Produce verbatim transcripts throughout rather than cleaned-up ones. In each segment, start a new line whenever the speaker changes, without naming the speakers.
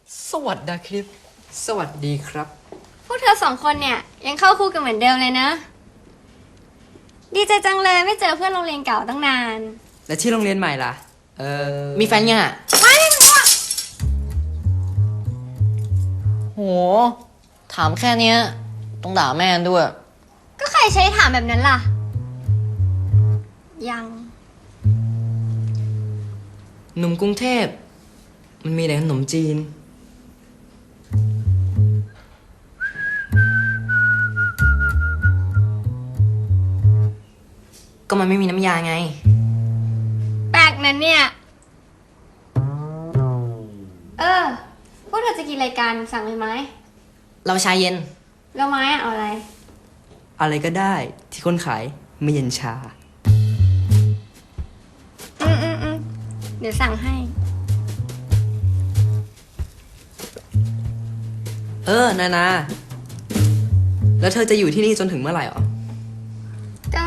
สวัสดีครับสวัสดีครับ
พวกเธอสองคนเนี่ยยังเข้าคู่กันเหมือนเดิมเลยนะดีใจจังเลยไม่เจอเพื่อนโรงเรียนเก่าตั้งนาน
แล้วที่โรงเรียนใหม่ล่ะ เออ มีแฟนยังอ่ะ
ไม่รู้อะ
โห ถามแค่เนี้ยต้องด่าแม่ด้วย
ก็ใครใช้ถามแบบนั้นล่ะ ยัง
หนุ่มกรุงเทพ มันมีแต่ขนมจีน ก็มันไม่มีน้ำยาไง
แปลกนั้นเนี่ย เออ พวกเธอจะกินอะไรกันสั่งเลยไหม
เราชาเย็น
แล้วไม้อะเอาอะไร
อะไรก็ได้ที่คนขายไม่เย็นชา
อืมอืมอืมเดี๋ยวสั่งให้
เออ นานา แล้วเธอจะอยู่ที่นี่จนถึงเมื่อไหร่หรอ
ก็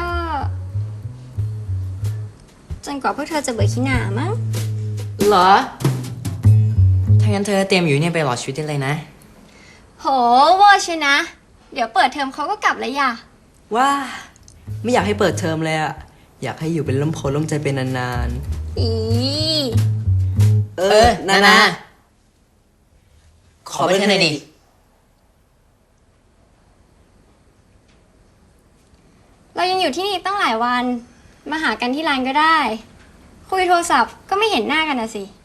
จนกว่าพวกเธอจะเบื่อขี้หน้ามั้ง
เหรอ ถ้างั้นเธอเตรียมอยู่เนี่ยไปหลอดชีวิตได้เลยนะ
โหเวอร์ชินะ เดี๋ยวเปิดเทอมเขาก็กลับแล้วอย่า
ว่า ไม่อยากให้เปิดเทอมเลยอะอยากให้อยู่เป็นล่มโพล่มใจเป็นนาน
อี
ๆ เออ นานา ขอเบอร์เธอหน่อยดิ
เรายังอยู่ที่นี่ตั้งหลายวัน มาหากันที่ร้านก็ได้ คุยโทรศัพท์ก็ไม่เห็นหน้ากันนะสิ